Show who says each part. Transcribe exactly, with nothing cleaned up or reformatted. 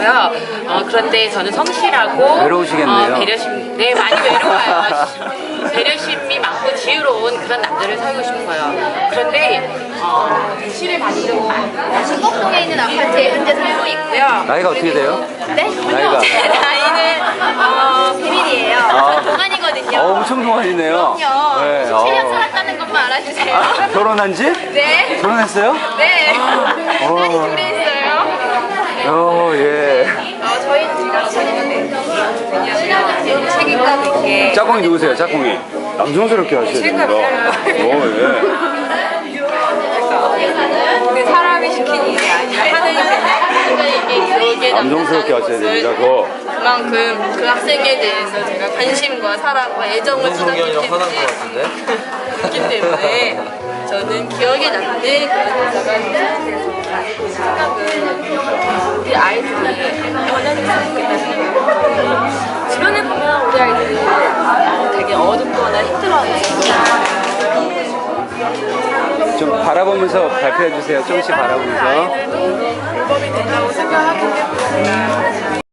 Speaker 1: 있고요. 어, 그런데 저는 성실하고
Speaker 2: 외로우시겠네요.
Speaker 1: 어, 배려심, 네 많이 외로워요. 배려심이 많고 지혜로운 그런 남자를 살고 싶어요. 그런데 어, 대시를 받는
Speaker 3: 신곡동에 있는 아파트에 현재 살고 있고요.
Speaker 2: 나이가 어떻게 돼요?
Speaker 3: 네?
Speaker 2: 나이가?
Speaker 3: 제 나이는 어, 비밀이에요.
Speaker 2: 아.
Speaker 3: 동안이거든요.
Speaker 2: 어, 엄청 동안이네요.
Speaker 3: 그럼요.
Speaker 2: 네,
Speaker 3: 칠 년
Speaker 2: 어.
Speaker 3: 살았다는 것만 알아주세요.
Speaker 2: 아, 결혼한 지?
Speaker 3: 네.
Speaker 2: 결혼했어요?
Speaker 3: 네.
Speaker 2: 어.
Speaker 3: 딸이 둘에 있어요.
Speaker 2: 어, 예.
Speaker 3: 어, 저희는 지금 친구인데 왜냐면 책임감 있게
Speaker 2: 짝꿍이 누구세요, 짝꿍이? 남성스럽게 하셔야 됩니다. 오, 예.
Speaker 1: 그 사람이 시킨 일이 아니라 하느님의
Speaker 2: 남성스럽게 하셔야 됩니다, 그거.
Speaker 1: 그만큼 그 학생에 대해서 제가 관심과 사랑과 애정을 쏟았기 때문에 그렇기 때문에 저는 기억에 남는 그런 여자가 생각은 우리 아이들이 변화됐으면 좋겠다는 주변에 보면 우리 아이들이 되게 어둡거나 힘들어하는
Speaker 2: 좀 바라보면서 발표해 주세요. 조금씩 바라보면서.
Speaker 1: 아이들도 불법이 된다고 생각하기 때문에